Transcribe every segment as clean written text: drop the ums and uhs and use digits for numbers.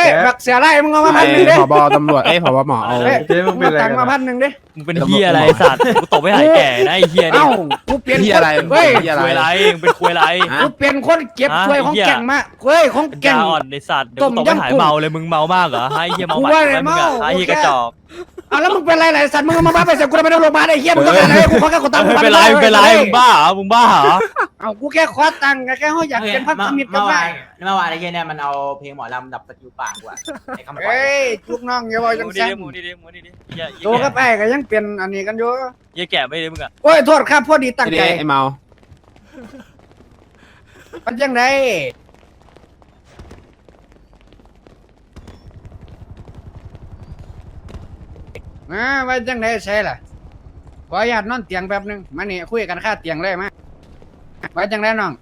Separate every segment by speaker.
Speaker 1: บักเสียไรมึงเอามา1,000ดิ
Speaker 2: ผบตำรวจผบหมอเอา
Speaker 3: เจ๊มึงเป็นอะไร
Speaker 1: ตังมา1,000ดิ
Speaker 4: มึงเป็นเฮียอะไรสัตว์กูตบไม่หายแก่นะไอ้เฮียนี่
Speaker 1: เอ้ากูเปลี่ยน
Speaker 2: เฮีย
Speaker 1: คน
Speaker 2: อะไร
Speaker 1: เฮ้ย
Speaker 2: เฮียอะไร
Speaker 4: คุยอะไรมึงเป็นคุยอะไร
Speaker 1: กูเปลี่ยนคนเก็บช่วยของแก่งมาเฮ้ยของ
Speaker 4: เป็น
Speaker 1: แก่
Speaker 4: ยาง อ่อนในสัตว์เดี๋ยวกูตบไม่หายเมาเลยมึงเมามากเหรอให้เฮียเมา
Speaker 1: กู
Speaker 4: หมั
Speaker 1: ว่า
Speaker 4: ด
Speaker 1: ไง
Speaker 4: มึง
Speaker 1: เมา
Speaker 4: อะไอ้เฮียกระจอก
Speaker 1: เอาแล้วมึงเป็นไรหลายสัตว์มึงมาบ้าไปเสียกูไม่ได้โรงพยาบาลไอ้เหี้ยมึงต้องการอะไรกูขอแค่คนตังค์
Speaker 4: ไม่เป็นไรไม่เป็นไรมึงบ้าเหรอมึงบ้าเหรอ
Speaker 1: เอากูแค่ขอตังค์แค่เขาอยากเป็นพันธมิตรกันได้
Speaker 5: เมื่อวานไอ้เหี้ยเนี่ยมันเอาเพลงหมอลำดับสกิลปากว่ะไอ้คำปล่อย
Speaker 1: เฮ้ยลูกน้องอย่าบอกจัง
Speaker 4: มูดี
Speaker 1: ซั่น
Speaker 4: ดิมูดีดิมูดีดิเฮีย
Speaker 1: โตกับไอ้ก็ยังเปลี่ยนอันนี้กันอยู่
Speaker 4: เฮียแก่ไม่ได้มึงอะ
Speaker 1: โอ้ยโทษครับพอดีตั้งใจ
Speaker 2: ไอ้เมา
Speaker 1: มันยังไงว่าจังไดใช่ล่ะขออนุญาตนอนเตียงแป๊บนึงมานี่คุยกันค่าเตียงเลยมาว่าจังไดน้อง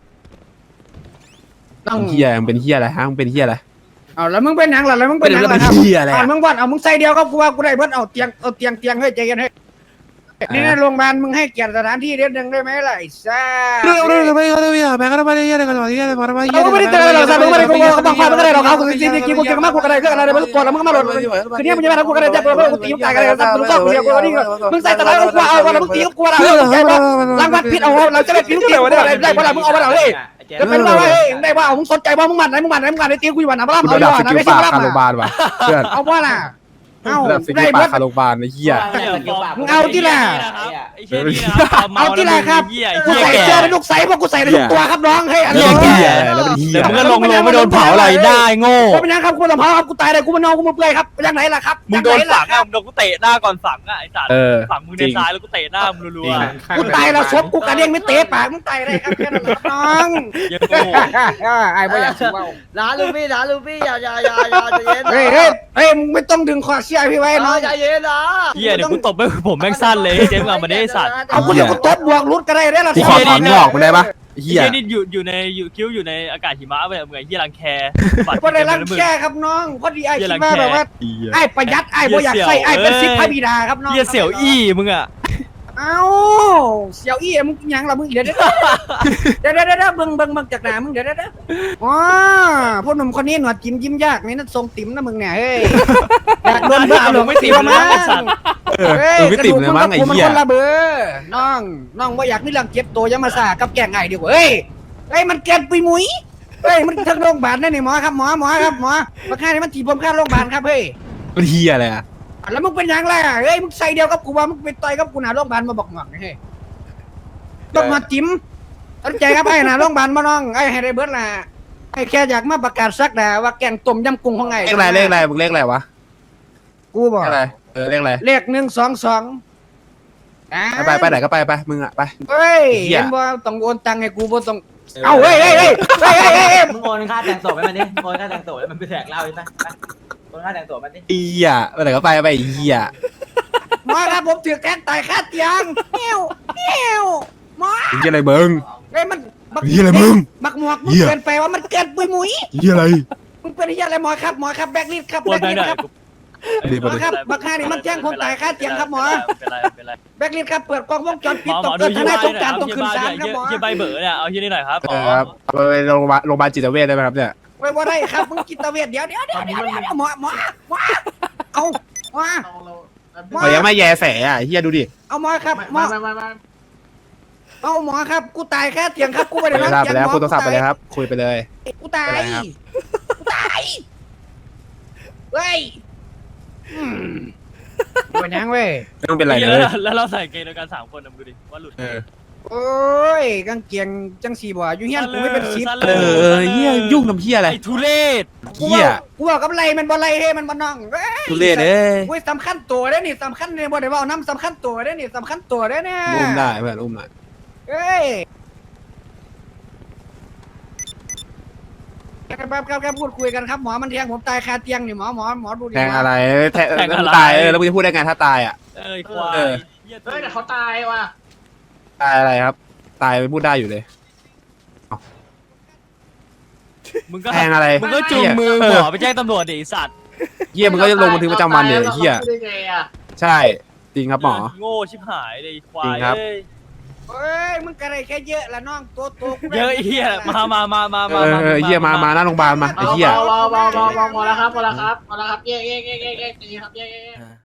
Speaker 2: เฮียมึงเป็นเฮียอะไรฮะมึงเป็นเฮียอะไร
Speaker 1: เอาแล้วมึงเป็นหยังล่ะแล้วมึงเป็นหยังล่ะครับ
Speaker 2: เฮียอะไร
Speaker 1: เอามึงวัดเอามึงใส่เดียวก็กูว่ากูได้เบิดเอาเตียงเฮ้ยใจเย็นเฮ้ยนี่ในโรงพยาบาลมึงให้เกียรติสถานที่เด็ดหนึ่งได้ไหมล่ะไอ้ซ่า
Speaker 2: เรื่องไม่เขาไม่แม่ก็ไม่ได้เฮียอะไรกันหรอกเฮียอะไรมาเฮีย
Speaker 1: เราไม่ได้เจอหรอกสัตว์มึงไม่ได้กูบังคับมึงก็ได้หรอกเขาจริงจริงกูเก่งมากกูก็ได้ก็อะไรมึงปวดแล้วมึงก็มาหลดคือเนี่ยมึงจะมาทำกูก็ได้จับกูตีมึงตายกันเลยสัตว์มึงชอบกูเดียวกูนี่มึงใส่ตะไลกูเอาวันละมึงตีกูอะไรใช่ปะรางวัลผิดเอาเราจะได้ผิดตีกูอะไรได้เวลามึงเอาเวลาเฮ้ยจะเป็นว่าเฮ้ยได้ว่ามึงสนใจว่ามึงมันไหนไอ้ตีกูอยู่วันไหนมาล่ำ
Speaker 2: ระ
Speaker 1: เอา
Speaker 2: ดับ
Speaker 1: ดีก
Speaker 2: ส
Speaker 1: ว่านะ
Speaker 2: กิล
Speaker 1: ไม่ใช่
Speaker 2: ปาก
Speaker 1: มา
Speaker 2: คาโร
Speaker 1: ล่ำ
Speaker 2: บาลว่ะเพื่อน
Speaker 1: เอาว่าล่ะเอ้า
Speaker 2: ระดับสกิ
Speaker 1: ได้
Speaker 2: ล
Speaker 1: เบิ
Speaker 2: ปาก
Speaker 1: ด
Speaker 2: คาโรบาลไอ้เฮีย
Speaker 1: เอาที่ล่ะ
Speaker 4: ไอ้เฮียนี่นะครับ
Speaker 1: เอาที่ล่ะครับ
Speaker 4: เฮีย
Speaker 1: กู
Speaker 4: เฮีย
Speaker 1: ใส่
Speaker 4: แก่
Speaker 1: เสื้อในลูกใส่พวกกูใส่ในทุกตัวครับน้องเฮ้ยอัน
Speaker 2: เฮี
Speaker 1: นี้
Speaker 2: ยแล้วเป็นเฮีย
Speaker 4: เดี๋ยวมึงก็ลงไม่โดนเผาอะไรได้โง่
Speaker 1: กูเป็นยังครับกูสัมภาษณ์ครับกูตายเลยกูมานอนกูมาเปื่อยครับยังไหนล่ะครับ
Speaker 4: มึงโดนฝังอ่ะมึงโดนกูเตะหน้าก่อนฝังอ่ะไอ้สัตว์ฝังมึงในซ้ายแล้วกูเตะหน้ามึงรัว
Speaker 1: กูตายแล้วซบกูกระเด้งไม่เตะปากมึงตายได้ครับแค่นั้นแหละครับน้อง
Speaker 4: ๆยังโง่
Speaker 1: ไอ้บ่อยากชิมเบา
Speaker 5: ร้านลูฟี่อย่าใจเย็น
Speaker 1: เฮ้ยมึงไม่ต้องดึงคอเสียพี่ไว้น้อง
Speaker 5: ใจเย็นนะ
Speaker 4: เฮียเดี๋ยวกูตบไปผมแม่งสั้นเลยเจ๊มึงเอามาได้ไอ้สัตว์
Speaker 1: เอากูเดี๋ยวกูตบบวกรุดก็ได้ได้ละ
Speaker 2: กูขอถอนงอกมึงได้ปะเฮี
Speaker 4: เฮี
Speaker 2: ย
Speaker 4: ยนี่อยู่ในคิ้วอยู่ในอากาศหิมะไปมึงไอ้เฮียรังแค
Speaker 1: พอได้รังแค่ครับน้องพอดีไอ้คิดว่าแบบว่าไอ้ประหยัดไอ้บ่อยากใส่ไอ้เป็นซิปพระบิดาครับน้อง
Speaker 4: เฮียเสี่ยวอี้มึงอ่ะ
Speaker 1: เอ้าเสี่ยวอี้มึงยังล่ะมึงเดี๋ยวเบิ่งจากหน้ามึงเดี๋ยวอ๋อพวกหนุ่มคนนี้หนวดยิ้มยากนี่นั่นทรงติ๋มนะมึงเนี่ยเฮ้ยอยากโดนเบิ่งหลงไม่ติ๋มมั้ง
Speaker 2: ไม่ติดเลยมั้งไอ้เหี้ย
Speaker 1: คนละเบอร์น้องว่าอยากมีเรื่องเก็บตัวยังมาซ่ากับแก่งไงดีกว่าเฮ้ยมันเกินปุยมุ้ยเฮ้ยมันทั้งโรงพยาบาลนั่นนี่หมอครับหมอครับหมอมาค่านี่มันตีผมค่าโรงพยาบาลครับเฮ้ย
Speaker 2: เป็นเฮียอะไรอ่ะ
Speaker 1: แล้วมึงเป็นยังไงเฮ้ยมึงใส่เดียวกับกูว่ามึงไปต่อยกับกูหน้าโรงพยาบาลมาบอกหมอกเฮ้ยต้องมาจิ้มตั้งใจครับไอ้หน้าโรงพยาบาลมาน้องไอ้ให้ได้เบิร์ดล่ะไอ้แค่อยากมาประกาศซักดาว่าแกงต้มยำกุ้งของไง
Speaker 2: เลขอะไรมึงเลขอะไรวะ
Speaker 1: กูบอก
Speaker 2: เลขอะไรเลขอะไร
Speaker 1: เลข122
Speaker 2: ไปไหนก็ไปมึงอ่ะไป
Speaker 1: เฮ้ย
Speaker 2: เหี้ย
Speaker 1: เห็นว่าต้องโอนตังค์ให้กูบ่ต้องเอาเฮ้ย
Speaker 5: มึงโอนค่าแต่งศพให้มันดิโอนค่าแต่งศพแล้วมันไปแจกเหล้าใช่ไหมโอนค่าแต่งศพมันดิ
Speaker 2: เฮียไปไหนก็ไปเฮีย
Speaker 1: หมอครับผมถือแกงตายคาเตียงเหี้ยวหมอ
Speaker 2: เฮียอะไรมึง
Speaker 1: เฮ้ยมันบัก
Speaker 2: เหี้ยอะไรมึง
Speaker 1: บักหมวกมึง
Speaker 2: เหี้ย
Speaker 1: เกินไปว่ามันเกินปุยมุ้ย
Speaker 2: เฮียอะไร
Speaker 1: มึงเป็นเหี้ยอะไรหมอครับแบกลิดครับ
Speaker 4: ปวดไปหน่อย
Speaker 1: ครับหมอครับบักห้านี่มันแจ้งคนตายคาเตียงครับหมอ
Speaker 4: เป็นไร
Speaker 1: แบกลิดครับเปิดกล้องวงจรปิด
Speaker 4: ห
Speaker 1: ต
Speaker 4: ม
Speaker 1: ก
Speaker 4: อ
Speaker 1: เกิ
Speaker 4: ดู
Speaker 1: นทนายสงการต้อง
Speaker 4: เฮีย
Speaker 1: ขึ้น
Speaker 4: บ้า
Speaker 1: ศาล
Speaker 4: ด้วย
Speaker 1: ครับหมอ
Speaker 4: เฮียใบเบอร์เนี่ยเอาเฮียนี่หน่อยครับ
Speaker 2: ครับไปโรงพยาบาลจิตเวชได้ไหมครับเนี่ย
Speaker 1: ไว้บ่ได้ครับมึงจิตเวชเดี๋ยวหมอเอาหมอ
Speaker 2: เขายังไม่แย่แสอ่ะเฮียดูดิ
Speaker 1: เอาหมอครับหมอเอาหมอครับกูตายแค่เตียงครับกูไม่ได้
Speaker 2: ไป
Speaker 1: นอนเตียง
Speaker 2: แล้ว
Speaker 1: หมอ
Speaker 2: คุยโทรศัพท์ไปเลยครับคุยไปเลย
Speaker 1: กูตาย
Speaker 2: ไปไหนครับ
Speaker 1: เฮ้ยเป็นยังเว้ย
Speaker 2: ไม่ต้องเป็นไรเลย
Speaker 4: แล้วเราใส่เกงเดียวกัน3 คนนะมึงดูดิว่าหลุด
Speaker 1: โอ้ยกางเกงจังสีบ่อยู่เฮียนกูไม่เป็นซิป
Speaker 2: เฮียยุ่งทำเฮียอะไร
Speaker 4: ไอ้ทุเรศ
Speaker 2: เฮีย
Speaker 1: กูบอกกับไรมันบ่ไรเฮ้มันบ่น้องเว้ย
Speaker 2: ทุเรศเอ้ย
Speaker 1: เว้ยสำคัญตัวเด้อนี่สำคัญเนี่ยบ่ได้เว้าน้ำสำคัญตัวเด้อนี่สำคัญตัวเด้อเนี่ย
Speaker 2: อุ้มได้เพื่อนอุ้มหน่อย
Speaker 1: เอ้ยครับพูดคุยกันครับหมอมันแทงผมตายคาเตียงนี่หมอดูดิ
Speaker 2: แทงอะไรแทงตายแล้วมึงจะพูดได้ไงถ้าตายอ่ะ
Speaker 4: ควาย
Speaker 5: เฮ้ยแต่เขาตายว่ะ
Speaker 2: ตายอะไรครับ ตายไปพูดได้อยู่เลย
Speaker 4: มึงก็
Speaker 2: แทงอะไร
Speaker 4: มึงก็จูงมือหมอไปแจ้งตำรวจดิสัตว์
Speaker 2: เฮียมึงก็จะลงบันทึกประจำวันเดี๋ยวเฮียใช่จริงครับหมอ
Speaker 4: โง่ชิบหายเลยควา
Speaker 2: จริ
Speaker 4: ย
Speaker 2: งครับ
Speaker 4: เอ้ย
Speaker 1: เฮ้ยมึงกระไรแค่เยอะละน้องตัวโต
Speaker 4: เยอะเฮียมา
Speaker 2: เหี้ยมาหน้าโรงพยาบาลมาไอ้เหี้ย
Speaker 3: พอแล้วครับแยกครับแยก